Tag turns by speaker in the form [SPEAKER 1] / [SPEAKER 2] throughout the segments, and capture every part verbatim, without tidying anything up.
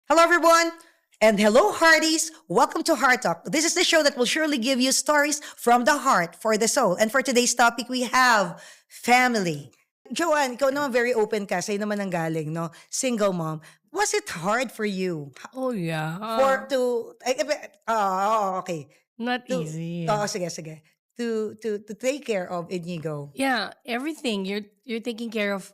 [SPEAKER 1] Hello, everyone, and hello, Hearties. Welcome to Heart Talk. This is the show that will surely give you stories from the heart for the soul. And for today's topic, we have family. Joanne, ikaw naman very open ka. Sa'yo naman ang galing, no? Single mom. Was it hard for you
[SPEAKER 2] Oh, yeah.
[SPEAKER 1] for to... ay, eh, Oh, okay.
[SPEAKER 2] Not
[SPEAKER 1] To,
[SPEAKER 2] easy.
[SPEAKER 1] oh, sige, sige. To, to, to take care of Inigo.
[SPEAKER 2] Yeah, everything. You're you're taking care of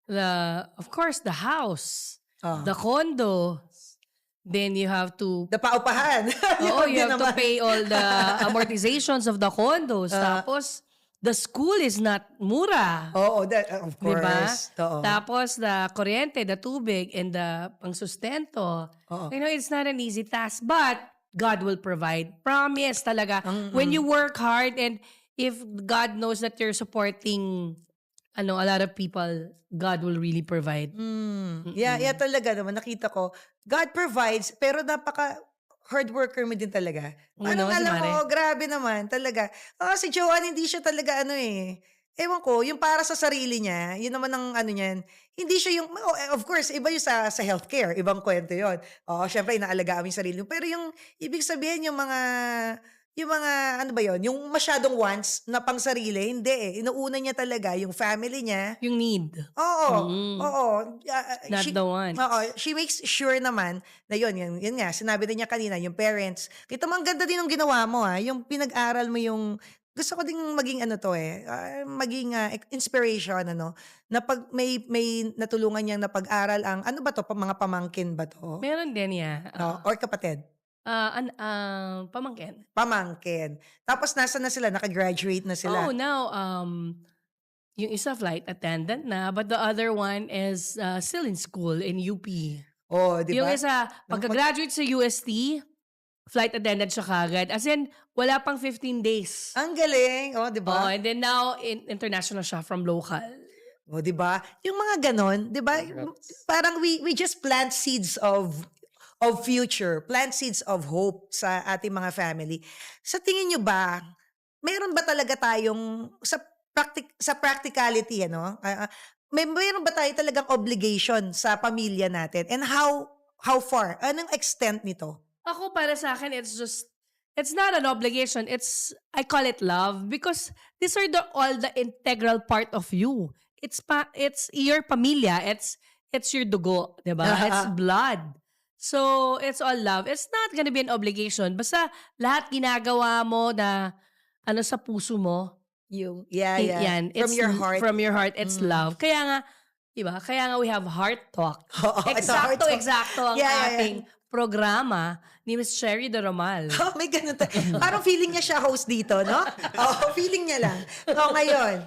[SPEAKER 2] the, of course, the house,
[SPEAKER 1] Oh.
[SPEAKER 2] the condo. Then you have to,
[SPEAKER 1] The paupahan.
[SPEAKER 2] oh,
[SPEAKER 1] Yun
[SPEAKER 2] you
[SPEAKER 1] din
[SPEAKER 2] have to
[SPEAKER 1] naman.
[SPEAKER 2] pay all the amortizations of the condos.
[SPEAKER 1] Ah.
[SPEAKER 2] Tapos, the school is not mura.
[SPEAKER 1] Oo, that, of
[SPEAKER 2] Diba?
[SPEAKER 1] course. Oo.
[SPEAKER 2] Tapos, the kuryente, the tubig, and the pangsustento.
[SPEAKER 1] Oo.
[SPEAKER 2] You know, it's not an easy task, but God will provide. Promise talaga.
[SPEAKER 1] Ang-
[SPEAKER 2] When you work hard and if God knows that you're supporting ano, a lot of people, God will really provide.
[SPEAKER 1] Mm. Yeah, yeah talaga naman. Nakita ko, God provides, pero napaka hard worker mo din talaga.
[SPEAKER 2] Oo
[SPEAKER 1] Ano
[SPEAKER 2] naman,
[SPEAKER 1] nga
[SPEAKER 2] si
[SPEAKER 1] lang
[SPEAKER 2] Mare.
[SPEAKER 1] mo, grabe naman, talaga. Ah, si Joanne, hindi siya talaga ano eh. Ewan ko, yung para sa sarili niya, yun naman ang ano niyan, hindi siya yung, oh, eh, of course, iba yung sa, sa healthcare, ibang kwento yun. Oo, syempre, inaalagaan mo yung sarili mo. Pero yung, ibig sabihin, yung mga, yung mga, ano ba yun, yung masyadong wants na pang sarili, hindi eh. Inuuna niya talaga yung family niya.
[SPEAKER 2] Yung need.
[SPEAKER 1] Oo,
[SPEAKER 2] Mm.
[SPEAKER 1] oo. Ah, ah,
[SPEAKER 2] Not
[SPEAKER 1] she,
[SPEAKER 2] the wants.
[SPEAKER 1] oo, she makes sure naman na yun, yun, yun nga, sinabi din niya kanina, yung parents. Kita mo, ang ganda din ng ginawa mo ha, yung pinag-aral mo yung, gusto ko ding maging ano to eh, ah, maging ah, inspiration, ano, na pag may, may natulungan niyang napag-aral ang, ano ba to, pa- mga pamangkin ba to?
[SPEAKER 2] Meron din niya.
[SPEAKER 1] No? Or kapatid?
[SPEAKER 2] Ah, an, ah, pamangkin.
[SPEAKER 1] Pamangkin. Tapos nasa na sila, nakagraduate na sila.
[SPEAKER 2] Oh, now, um, yung isa flight attendant na, but the other one is uh, still in school in U P.
[SPEAKER 1] Oh, di
[SPEAKER 2] Yung
[SPEAKER 1] ba?
[SPEAKER 2] isa, pagka-graduate sa U S T, flight attendant siya kagad. As in, wala pang fifteen days.
[SPEAKER 1] Ang galing, oh, di
[SPEAKER 2] Oh,
[SPEAKER 1] ba?
[SPEAKER 2] and then now, in, international siya from local.
[SPEAKER 1] O, di ba? Yung mga ganon, di ba? Parang we we just plant seeds of of future, plant seeds of hope sa ating mga family. Sa tingin nyo ba, meron ba talaga tayong sa practic sa practicality ano? ah, ah, may meron ba tayo talagang obligation sa pamilya natin? And how how far? Anong extent nito?
[SPEAKER 2] Ako, para sa akin, it's just, it's not an obligation. It's, I call it love because these are the all the integral part of you. It's pa, it's your pamilya. It's, it's your dugo, di ba? It's blood. So, it's all love. It's not gonna be an obligation. Basta lahat ginagawa mo na ano sa puso mo,
[SPEAKER 1] Yung yeah,
[SPEAKER 2] i-
[SPEAKER 1] yeah.
[SPEAKER 2] yan.
[SPEAKER 1] From
[SPEAKER 2] It's
[SPEAKER 1] your
[SPEAKER 2] l-
[SPEAKER 1] heart.
[SPEAKER 2] From your heart, it's
[SPEAKER 1] Mm.
[SPEAKER 2] love. Kaya nga, di ba? Kaya nga we have heart talk.
[SPEAKER 1] Oo, ito, heart
[SPEAKER 2] Eksakto,
[SPEAKER 1] talk.
[SPEAKER 2] eksakto ang
[SPEAKER 1] Yeah, yeah, yeah.
[SPEAKER 2] ating programa ni Miss Sherry de Romal.
[SPEAKER 1] Oh, may ganun ta- Parang feeling niya siya host dito, no? Oh, feeling niya lang. So, ngayon,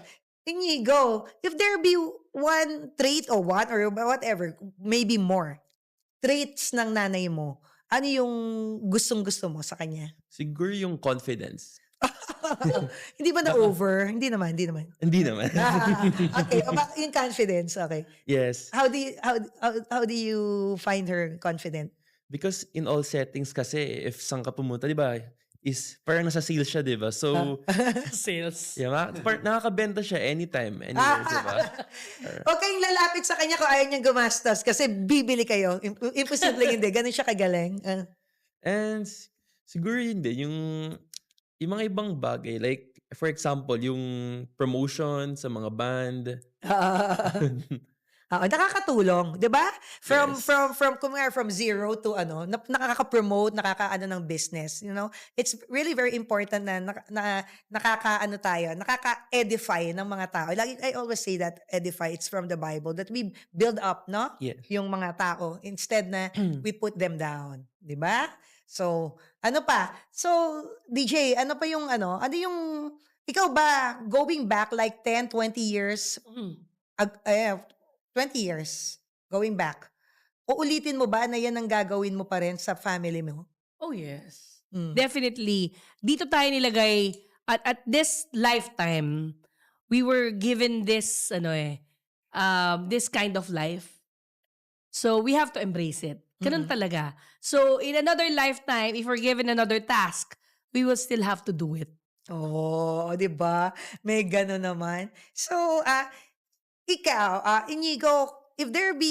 [SPEAKER 1] Inigo, if there be one trait or one or whatever, maybe more, traits ng nanay mo, ano yung gustong-gusto mo sa kanya?
[SPEAKER 3] Siguro yung confidence.
[SPEAKER 1] Hindi ba na-over? Hindi naman, hindi naman.
[SPEAKER 3] Hindi naman.
[SPEAKER 1] Ah, okay, o ba- yung confidence, okay.
[SPEAKER 3] Yes.
[SPEAKER 1] How do you, how, how, how do you find her confident?
[SPEAKER 3] Because in all settings kasi, if saan ka pumunta, di ba, is parang nasa sales siya, di ba? So,
[SPEAKER 2] Sales.
[SPEAKER 3] yeah, ma- par- nakakabenta siya anytime, anywhere, di ba?
[SPEAKER 1] Huwag kayong lalapit sa kanya kung ayaw niyang gumastos kasi bibili kayo. Im- Imposible hindi. Ganun siya kagaling. Ah.
[SPEAKER 3] And s- siguro yun din, yung, yung mga ibang bagay, like, for example, yung promotion sa mga band.
[SPEAKER 1] Oo, nakakatulong, 'di ba? From
[SPEAKER 3] Yes.
[SPEAKER 1] from from kung nga from zero to ano, na, nakaka-promote, nakakaano ng business, you know? It's really very important na, na, na nakakaano tayo, nakaka-edify ng mga tao. Like I always say that edify, it's from the Bible that we build up, no?
[SPEAKER 3] Yes.
[SPEAKER 1] Yung mga tao instead na we put them down, 'di ba? So, ano pa? So, D J, ano pa yung ano? Ano yung ikaw ba going back like ten, twenty years
[SPEAKER 2] Mm.
[SPEAKER 1] ag eh, twenty years going back, uulitin mo ba na yan ang gagawin mo pa rin sa family mo?
[SPEAKER 2] Oh, yes.
[SPEAKER 1] Mm.
[SPEAKER 2] Definitely. Dito tayo nilagay, at, at this lifetime, we were given this, ano eh, um, this kind of life. So, we have to embrace it. Ganun
[SPEAKER 1] Mm-mm.
[SPEAKER 2] talaga. So, in another lifetime, if we're given another task, we will still have to do it.
[SPEAKER 1] Oh, 'di ba? May gano'n naman. So, ah, ikaw, ah, Inigo, if there be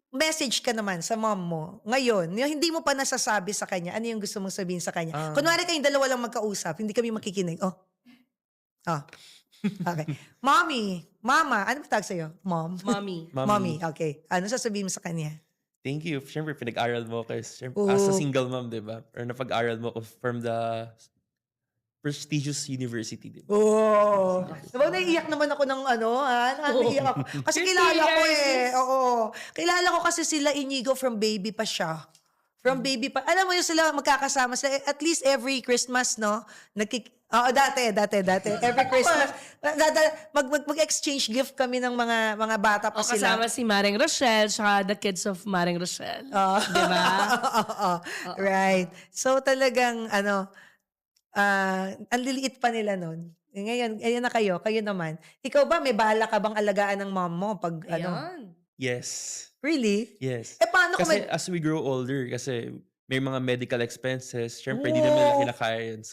[SPEAKER 1] message ka naman sa mom mo ngayon, yung hindi mo pa nasasabi sa kanya, ano yung gusto mong sabihin sa kanya?
[SPEAKER 3] Ah.
[SPEAKER 1] Kunwari kayong dalawa lang magkausap, hindi kami makikinig. Oh. Oh. Okay. Mommy, mama, ano ba tawag sa'yo? Mom?
[SPEAKER 2] Mommy.
[SPEAKER 3] Mommy.
[SPEAKER 1] Mommy, okay. Ano sasabihin mo sa kanya?
[SPEAKER 3] Thank you. Siyempre, pinag-aral mo ko. Siyempre, as a
[SPEAKER 1] Oo.
[SPEAKER 3] single mom, di ba? Or napag-aral mo ko from the prestigious university, di ba?
[SPEAKER 1] Oo. Diba, naiiyak naman ako ng ano, ha? Naiiyak ako. Kasi
[SPEAKER 2] You're
[SPEAKER 1] kilala ko
[SPEAKER 2] tears.
[SPEAKER 1] eh. Oo. Kilala ko kasi sila Inigo from baby pa siya. From baby pa. Alam mo yun sila magkakasama sila. At least every Christmas, no? Nagkik... Oo, dati, dati, dati. Every Christmas. dada- mag, mag, mag-exchange gift kami ng mga mga bata pa
[SPEAKER 2] O
[SPEAKER 1] sila.
[SPEAKER 2] kasama si Maring Rochelle, tsaka the kids of Maring Rochelle.
[SPEAKER 1] Oo.
[SPEAKER 2] Di ba?
[SPEAKER 1] Oo. Right. So talagang ano, ah, ang liliit pa nila nun. Eh, Ngayon, ayan na kayo, kayo naman. Ikaw ba, may bahala ka bang alagaan ng mom mo pag ano?
[SPEAKER 2] Ayan.
[SPEAKER 3] Yes.
[SPEAKER 1] Really?
[SPEAKER 3] Yes.
[SPEAKER 1] Eh paano kung
[SPEAKER 3] Kasi
[SPEAKER 1] may...
[SPEAKER 3] as we grow older, kasi may mga medical expenses, syempre, hindi naman nila
[SPEAKER 1] Oh.
[SPEAKER 3] kinakaya yun. So,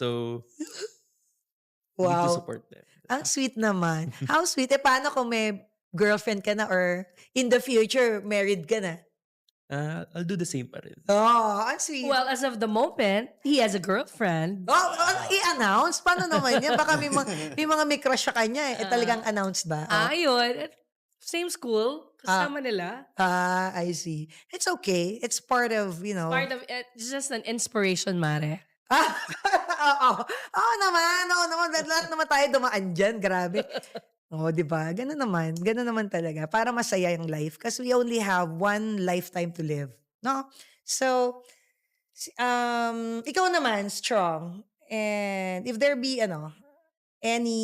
[SPEAKER 3] we need to
[SPEAKER 1] Wow.
[SPEAKER 3] support them.
[SPEAKER 1] Ang sweet naman. How sweet. Eh paano kung may girlfriend ka na or in the future, married ka na?
[SPEAKER 3] Ah, I'll do the same pa rin.
[SPEAKER 1] Oh, ang sweet.
[SPEAKER 2] Well, as of the moment, he has a girlfriend.
[SPEAKER 1] Oh, ano, i-announce? Paano naman yan? Baka may, mga, may mga may crush sa kanya eh. Eh, talagang announce ba? Oh.
[SPEAKER 2] Ah, yun. Same school. Kasama nila.
[SPEAKER 1] Ah, I see. It's okay. It's part of, you know.
[SPEAKER 2] Part of it. It's just an inspiration, Mare.
[SPEAKER 1] Ah, oo. Oo naman. Oo naman. Lahat naman tayo dumaan dyan. Grabe. Oo, di ba? Ganun naman. Ganun naman talaga. Para masaya yung life. Because we only have one lifetime to live. No? So, si- um, ikaw naman, strong. And if there be, ano, any...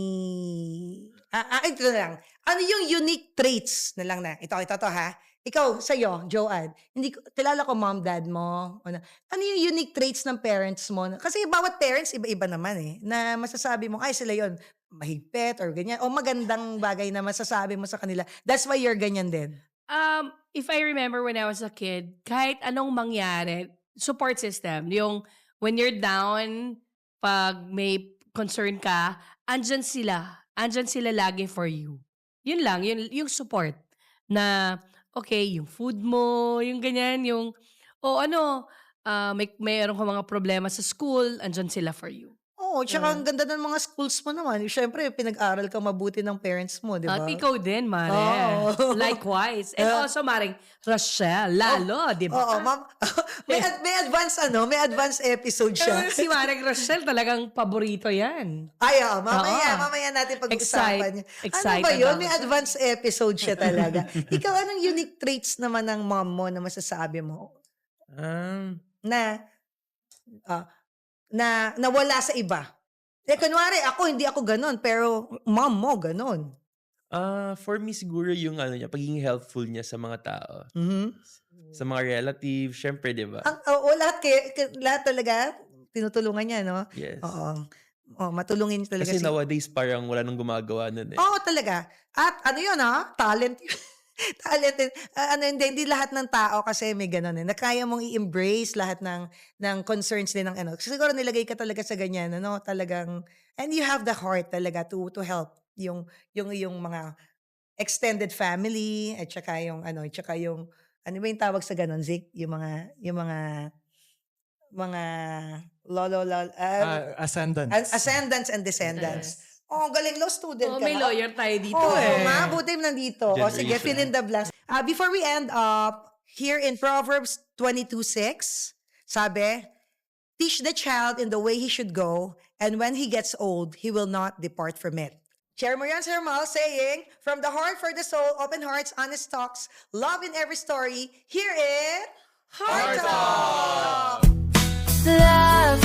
[SPEAKER 1] Ah, ah, ito na lang. Ano yung unique traits na lang na? Ito, ito, to ha? Ikaw, sa'yo, Joanne, hindi ko, kilala ko mom, dad mo. Ano, ano yung unique traits ng parents mo? Kasi bawat parents, iba-iba naman eh. Na masasabi mo, ay sila yon mahigpit or ganyan. O magandang bagay na masasabi mo sa kanila. That's why you're ganyan din.
[SPEAKER 2] Um, if I remember when I was a kid, kahit anong mangyari, support system. Yung when you're down, pag may concern ka, andyan sila. Andyan sila lagi for you. Yun lang, yun, yung support. Na, okay, yung food mo, yung ganyan, yung, o ano, ah, may mayroon ka mga problema sa school, andyan sila for you.
[SPEAKER 1] Oo, tsaka ang ganda ng mga schools mo naman. Siyempre, pinag-aral ka mabuti ng parents mo, di ba?
[SPEAKER 2] At ikaw din, Mare.
[SPEAKER 1] Oo.
[SPEAKER 2] Likewise. And
[SPEAKER 1] Ah.
[SPEAKER 2] also, Maring Rochelle, lalo, di ba?
[SPEAKER 1] Oo, ma'am. may, ad- may advance ano, may advance episode siya.
[SPEAKER 2] Eh, si Maring Rochelle talagang paborito yan.
[SPEAKER 1] Ay, oo, mamaya,
[SPEAKER 2] Oo.
[SPEAKER 1] mamaya natin pag-usapan
[SPEAKER 2] Excite-
[SPEAKER 1] niya. Ano
[SPEAKER 2] excited
[SPEAKER 1] ba yun?
[SPEAKER 2] ako.
[SPEAKER 1] May advance episode siya talaga. Ikaw, anong unique traits naman ng mom mo na masasabi mo
[SPEAKER 3] Um,
[SPEAKER 1] na ah, na nawala sa iba? Eh, kunwari, ako, hindi ako ganun, pero mom mo, ganun.
[SPEAKER 3] ah, for me, siguro yung ano niya, pagiging helpful niya sa mga tao.
[SPEAKER 1] Mhm.
[SPEAKER 3] Sa mga relatives, syempre, di ba?
[SPEAKER 1] Ang, oo, lahat, kay, kay- lahat talaga, tinutulungan niya, no?
[SPEAKER 3] Yes.
[SPEAKER 1] Oo. Oh, matulungin talaga
[SPEAKER 3] Kasi
[SPEAKER 1] si...
[SPEAKER 3] nowadays, parang wala nang gumagawa nun eh.
[SPEAKER 1] Oo, talaga. At ano yun, ha? Talent yun. Talent yun. Ah, ano, hindi, hindi lahat ng tao kasi may ganun eh. Na kaya mong i-embrace lahat ng, ng concerns din ng ano. Siguro nilagay ka talaga sa ganyan, ano? Talagang, and you have the heart talaga to to help yung, yung, yung mga extended family, at saka yung, ano, at saka yung, ano ba yung tawag sa ganun, Zik? Yung mga, yung mga, mga lolo, lolo,
[SPEAKER 4] Ah, ascendants.
[SPEAKER 1] As- ascendants and descendants. Oh, galing law student
[SPEAKER 2] Oh,
[SPEAKER 1] ka.
[SPEAKER 2] may
[SPEAKER 1] ha?
[SPEAKER 2] lawyer tayo dito
[SPEAKER 1] Oo
[SPEAKER 2] eh.
[SPEAKER 1] nga, buti nandito. O sige,
[SPEAKER 3] Generation.
[SPEAKER 1] fill in the blanks. Uh, before we end up, here in Proverbs twenty-two six, sabi, teach the child in the way he should go, and when he gets old, he will not depart from it. Share mo yan, Sir Mal, saying, from the heart for the soul, open hearts, honest talks, love in every story, here in Heart Talk!
[SPEAKER 5] Love